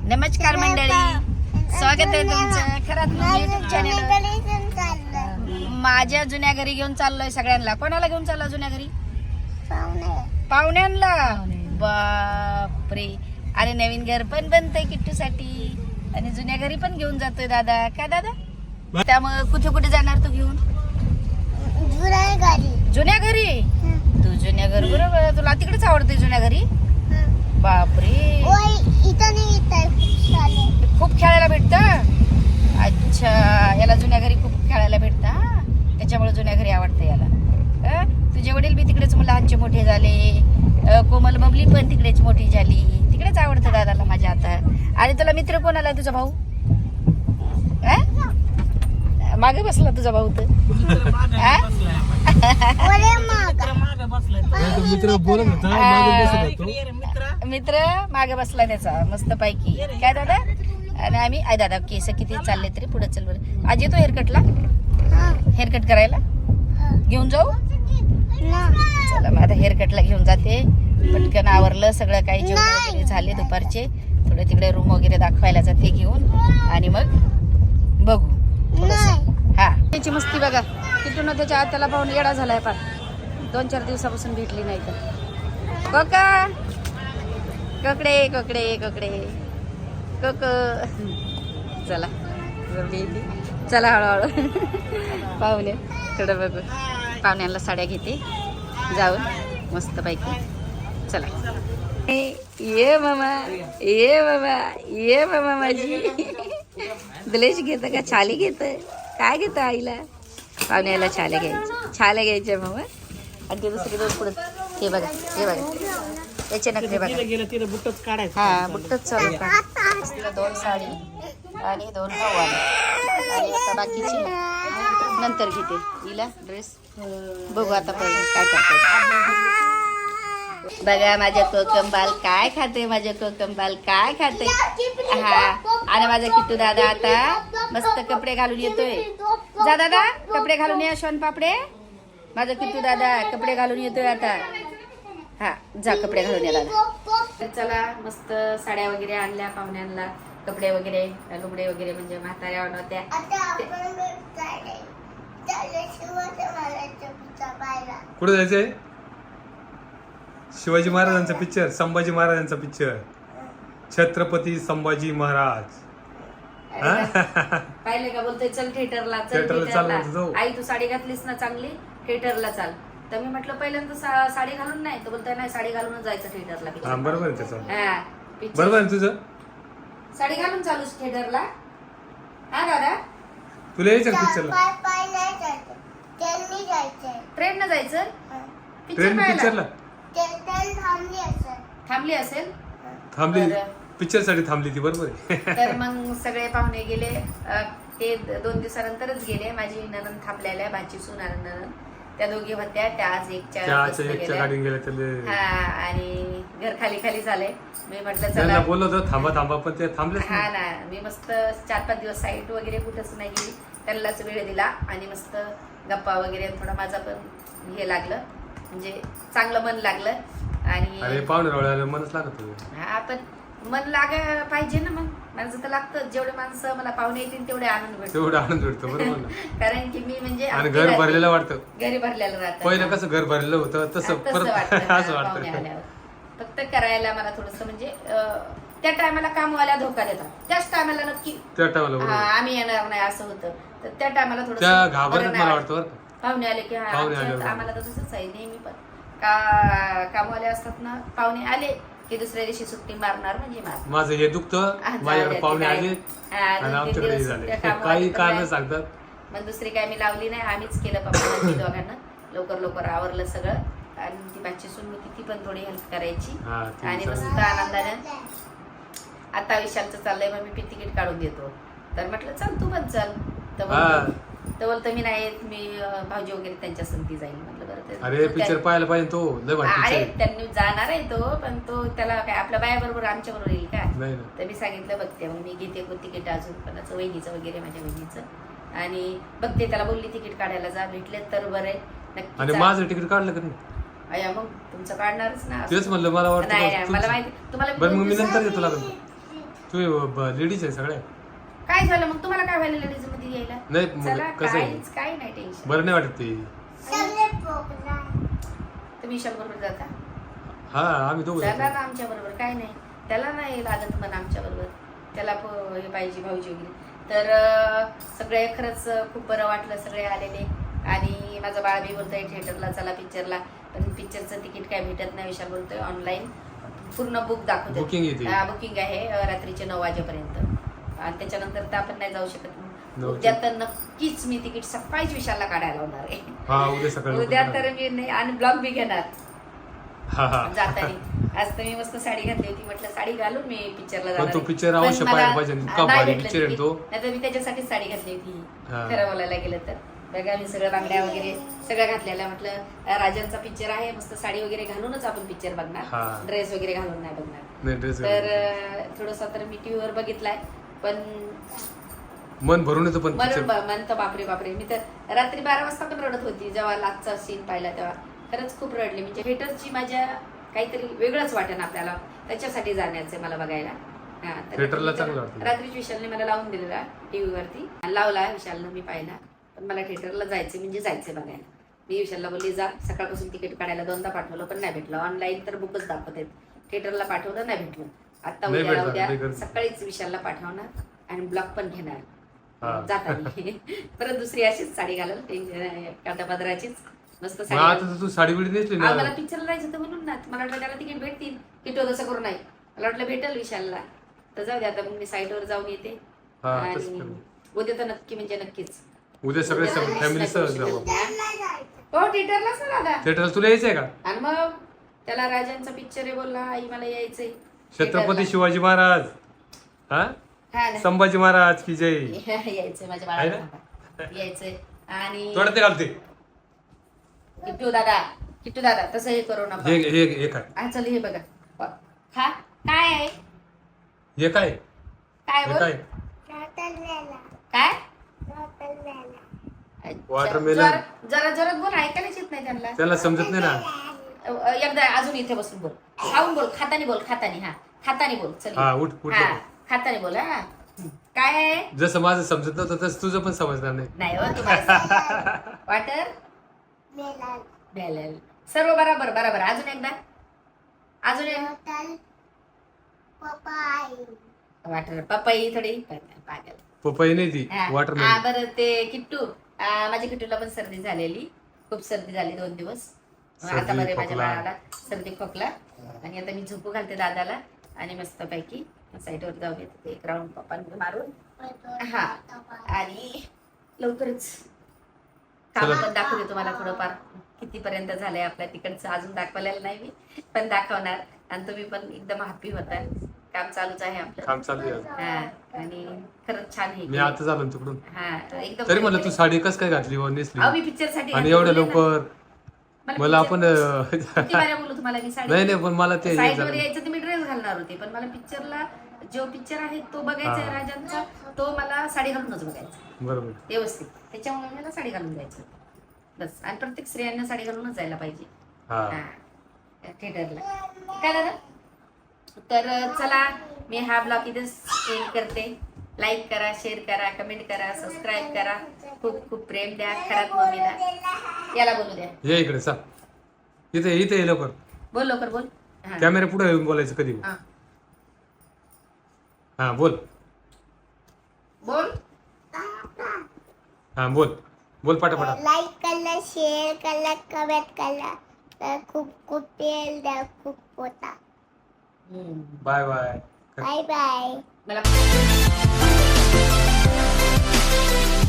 नमस्कार मंडळी, स्वागत आहे तुमचं खरंच YouTube चॅनल. माझ्या जुन्या घरी घेऊन चाललोय सगळ्यांना. कोणाला घेऊन चाललो जुन्या घरी? पाहुण्यांना. बापरे, अरे नवीन घर पण बनतंय किट्टूसाठी आणि जुन्या घरी पण घेऊन जातोय दादा. काय दादा? त्यामुळे कुठे कुठे जाणार तू घेऊन? जुन्या घरी. तू जुन्या घर बरोबर, तुला तिकडेच आवडते जुन्या घरी? बापरे, खूप खेळायला भेटतं. अच्छा, याला जुन्या घरी खूप खेळायला भेटतं, त्याच्यामुळे जुन्या घरी आवडतं याला. तुझे वडील बी तिकडेच लहानचे मोठे झाले, कोमल बबली पण तिकडेच मोठी झाली, तिकडेच आवडतं दादाला माझ्या आता. आणि तुला मित्र कोण आला? तुझा भाऊ मागे बसला तुझा भाऊ तर. मित्र मागे बसला त्याचा मस्त पैकी. काय दादा? आणि आम्ही आय दादा केस किती चालले तरी पुढे चल बरं. आज येतो हेअरकटला? हेअरकट करायला घेऊन जाऊ? चला मग आता हेअरकटला घेऊन जाते. पटकन आवरलं सगळं, काही जेवण वगैरे झाले दुपारचे. थोडे तिकडे रूम वगैरे दाखवायला जाते घेऊन आणि मग बघू. हा, त्याची मस्ती बघा. किटून त्याच्या आत्याला पाहून येडा झालाय. पार 2-4 दिवसापासून भेटली नाही तर. कोका कोकडे कोकडे कोकडे कोक. चला चला हळूहळू पाहुणे थोडं बघू. पाहुण्यांना साड्या घेते जाऊन मस्त पैकी. चला ये मामा, ये मामा, ये मामा माझी. दलेश घेतं का छाली घेतं? काय घेतं आईला? पाहुण्याला छाल्या घ्यायच्या, छाल्या घ्यायच्या मामा. आणि ते दुसरे दोन पुढे हे बघा, हे बघा त्याचे नखरे बघा. हा, बुट्टच चालू का. 2 साडी आणि 2 नऊवारी आणि आता बाकीची नंतर घेते. हिला ड्रेस बघू आता काय करते. बघा माझ्या कोकमबाल काय खाते, माझ्या कोकमबाल काय खाते. हा, आणि माझा किट्टू दादा आता मस्त कपडे घालून येतोय. जा दादा, कपडे घालून या शोन पापडे. माझा किट्टू दादा कपडे घालून येतोय आता. हा, जा कपडे घालून या दादा. चला मस्त साड्या वगैरे आणल्या पाहुण्यांना, कपडे वगैरे लुगडे वगैरे म्हणजे म्हाताऱ्या होत्या. कुठे जायचंय? शिवाजी महाराजांचा पिक्चर, संभाजी महाराजांचा पिक्चर, छत्रपती संभाजी महाराज. पाहिले का? बोलतोय चल थिएटरला, चल थिएटरला. आई तू साडी घातलीस ना चांगली, थिएटरला चाल. तर मी म्हटलं पहिल्यांदा साडी घालून नाही, तर बोलतोय नाही साडी घालूनच जायचं थिएटरला. बरोबर आहे त्याचं. हा, बरोबर आहे तुझं. साडी घालून चालूस थिएटरला. हा दादा, तुला यायचं पिक्चरला? ट्रेन न जायचं पिक्चरला? थांबली असेल. थांबली पिक्चर साठी थांबली ती. बरोबर आहे. तर मग सगळे पाहुणे गेले. ते 2 दिवसानंतरच गेले. माझी ननंद थांबलेल्या, भाची ननंद, त्या दोघी होत्या. त्या आज 1च्या गाडी गेल्या. हा, आणि घर खाली खाली झाले. मी म्हटलं चला, बोललो होतो थांबा थांबा, पण ते थांबले. हा ना, मी मस्त 4-5 दिवस साईट वगैरे कुठंच नाही गेली. त्यांनाच वेळ दिला आणि मस्त गप्पा वगैरे. थोडं माझं पण हे लागलं, म्हणजे चांगलं मन लागलं. आणि पाहुणे मनच लागत. हा, पण मन लागायला पाहिजे ना. मग माझं तर लागतं. जेवढे माणसं मला पाहुणे येतील तेवढे आनंद भेटतो. बरोबर. कारण की मी म्हणजे घर भरलेलं वाटतं. घरी भरलेलं राहतं. पहिलं कसं घर भरलेलं होतं तसं असं वाटतं. फक्त करायला मला थोडस म्हणजे त्या टायमाला कामवाल्या धोका देतात. त्याच टायमाला नक्की त्या टायमाला आम्ही येणार नाही असं होतं. तर त्या टायमाला थोडं घाबरत मला वाटतं. पाहुणे आले की आम्हाला तर तसंच आहे नेहमी. पण कामवाले असतात ना, पाहुणे आले की दुसऱ्या दिवशी सुट्टी मारणार म्हणजे माझं हे दुखतं, माझ्याकडे पाहुणे आले आणि आमच्याकडे झाले, काही कारण सांगतात. मग दुसरी काय मी लावली नाही. आम्हीच केलं पप्पा दोघांना. लवकर आवरलं सगळं. आणि ती बाची सून होती, ती पण थोडी हेल्प करायची. आणि मस्त आनंदाने आता विशालचं चाललंय, मग मी तिकीट काढून देतो. तर म्हटलं चल तू पण चल. तर बोलतो मी नाही, मी भाऊजी वगैरे त्यांच्या संगती जाईल. म्हटलं बरं. अरे पिक्चर पाहायला पाहिजे तो. अरे त्यांनी जाणार आहे तो, पण तो त्याला काय आपल्या बाया बरोबर आमच्या बरोबर येईल का? तर मी सांगितलं बघते, मग मी घेते तिकीट अजून कोणाचं, वहिनीचं वगैरे, माझ्या वहिनीचं. आणि बघते, त्याला बोलली तिकीट काढायला जा, भेटले तर बरं आहे. नक्की माझं तिकीट काढलं का नाही? अया मग तुमचं काढणारच ना. तेच म्हणलं, मला वाटतं नाही मला माहिती तुम्हाला. बरं मग मी नंतर देतो लागेल. तू लेडीज आहे सगळ्या. काय झालं मग तुम्हाला काय व्हायला लेडीज मध्ये यायला? नाही चला कसं आहे काहीच काही नाही टेन्शन. बरं नाही वाटत ते. तुम्ही विशाल बरोबर जाता? हा आम्ही दोघं चला जातो. ना आमच्या बरोबर. काय नाही त्याला नाही लागत पण आमच्या बरोबर. त्याला हे पाहिजे भाऊजी वगैरे. तर सगळे खरंच खूप बरं वाटलं सगळे आलेले. आणि माझा बाळ बी बोलतोय थिएटरला चला पिक्चरला, पण पिक्चरचं तिकीट काय भेटत नाही. विशाल बोलतोय ऑनलाईन पूर्ण बुक दाखवते. बुकिंग आहे रात्रीचे 9 वाजेपर्यंत. आणि त्याच्यानंतर तर आपण नाही जाऊ शकत. उद्या तर नक्कीच मी तिकीट सकाळीच विशालला काढायला लावणार आहे. उद्या तर मी नाही. आणि ब्लॉग बी घेणार जाताना. आज तर मी मस्त साडी घातली होती. म्हटलं साडी घालून मी पिक्चरला जाणार. तो पिक्चर अवश्य पाहायला पाहिजे. इतका भारी पिक्चर आहे तो. नाहीतर मी त्याच्यासाठीच साडी घातली होती खरं बोलायला गेलं तर. बघा मी सगळं बांगड्या वगैरे सगळं घातलेलं. म्हटलं राजांचा पिक्चर आहे मस्त साडी वगैरे घालूनच आपण पिक्चर बघणार. ड्रेस वगैरे घालून नाही बघणार. तर थोडंसं तर मी टीव्हीवर बघितलाय पण मन भरून येतं. पण मन तर बापरे बापरे. मी तर रात्री 12 वाजता पण रडत होती जेव्हा लास्टचा सीन पाहिला तेव्हा. खरंच खूप रडले. म्हणजे थिएटरची माझ्या काहीतरी वेगळंच वाटेल आपल्याला. त्याच्यासाठी जाण्याचं मला बघायला. थिएटरला चांगलं वाटतं. रात्री विशालने मला लावून दिलेला टीव्हीवरती. लावला विशालनं मी पाहिला. पण मला थिएटरला जायचं म्हणजे जायचं बघायला. मी विशालला बोलली जा. सकाळपासून तिकीट काढायला 2दा पाठवलं पण नाही भेटलं. ऑनलाईन तर बुकच दाखवत आहेत. थिएटरला पाठवलं नाही भेटलं. आता उद्या सकाळीच विशालला पाठवणार आणि ब्लॉक पण घेणार जाताना. परत दुसरी अशीच साडी घालल काठापदराचीच मस्त साडी. तू साडी बिडी नेसली ना? मला पिक्चरला जायचं तर म्हणून ना. मला वाटलं त्याला तिकीट भेटतील. किटो तसं करू नाही. मला वाटलं भेटेल विशालला. तर जाऊ दे आता मग मी साईटवर जाऊन येते. आणि उद्या तर नक्की म्हणजे नक्कीच. उद्या सगळे फॅमिली सह जाऊ. हो थिएटरलाच ना दादा. थिएटरला तुला यायचंय का? आणि मग त्याला राजांचा पिक्चर आहे बोलला आई मला यायचंय. छत्रपती शिवाजी महाराज संभाजी महाराज की जय. यायचंय माझ्या बाळाला यायचंय. आणि थोडं ते घालते किट्टू दादा तसं हे करू नका. चल हे बघा खा. काय आहे हे? काय काय बोल काय वॉटरमेलन. जरा जोरात बोल. ऐकायलाच येत नाही त्यांना. त्याला समजत नाही ना. एकदा अजून इथे बसून बोल. खाऊन बोल. खातानी बोल. खातानी बोल. चल उठ खातानी बोल. काय आहे? जसं माझं समजत नव्हतं तसं तुझं पण समजणार नाही हो तुम्हाला. वॉटर मेलन सर्व बरोबर बरोबर. अजून एकदा वॉटर पपई थोडी पागल. पपई नाही ती वॉटरमेलन. बरं ते किट्टू माझ्या किट्टूला पण सर्दी झालेली. खूप सर्दी झाली 2 दिवस. आता बरे माझ्या बाळाला सर्दी खोकला. आणि आता मी झोपू घालते दादाला आणि मस्त पैकी साईडवर जाऊन येते 1 राऊंड पप्पांनी मारून. आणि लवकरच काम पण दाखवते तुम्हाला थोडंफार कितीपर्यंत झालंय आपल्या तिकडचं. अजून दाखवलेलं नाही मी पण दाखवणार. आणि तुम्ही पण एकदम हॅपी होता. काम चालूच आहे आपलं. काम चालू आहे. आणि खरंच छान आहे. मी आता झालो तिकडून. एकदम तरी म्हणलं तू साडी कस काय घातली नेसली? मी पिक्चर साठी आणि एवढ्या लवकर मला आपण बोलू तुम्हाला मी साडी. नाही पण मला ते साईडवर यायचं तर मी ड्रेस घालणार होते. पण मला पिक्चरला जो पिक्चर आहे तो बघायचा आहे राजांचा. तो मला साडी घालूनच बघायचा. बरोबर व्यवस्थित. त्याच्यामुळे मला साडी घालून जायचं बस. आणि प्रत्येक स्त्रियांना साडी घालूनच जायला पाहिजे थिएटरला. काय दादा? तर चला मी हा ब्लॉग इथेच एंड करते. लाईक करा, शेअर करा, कमेंट करा, सबस्क्राईब करा. खूप खूप प्रेम द्या खरात मम्मीला. याला बोलू द्या. ये इकडे सा. इथे लवकर बोल. लवकर बोल. कॅमेरा पुढे येऊन बोलायचं कधी. बोल बोल पटापटा. लाईक करा, शेअर करा, कमेंट करा. तर खूप खूप प्रेम द्या. खूप होता. Bye bye. Bye bye. मला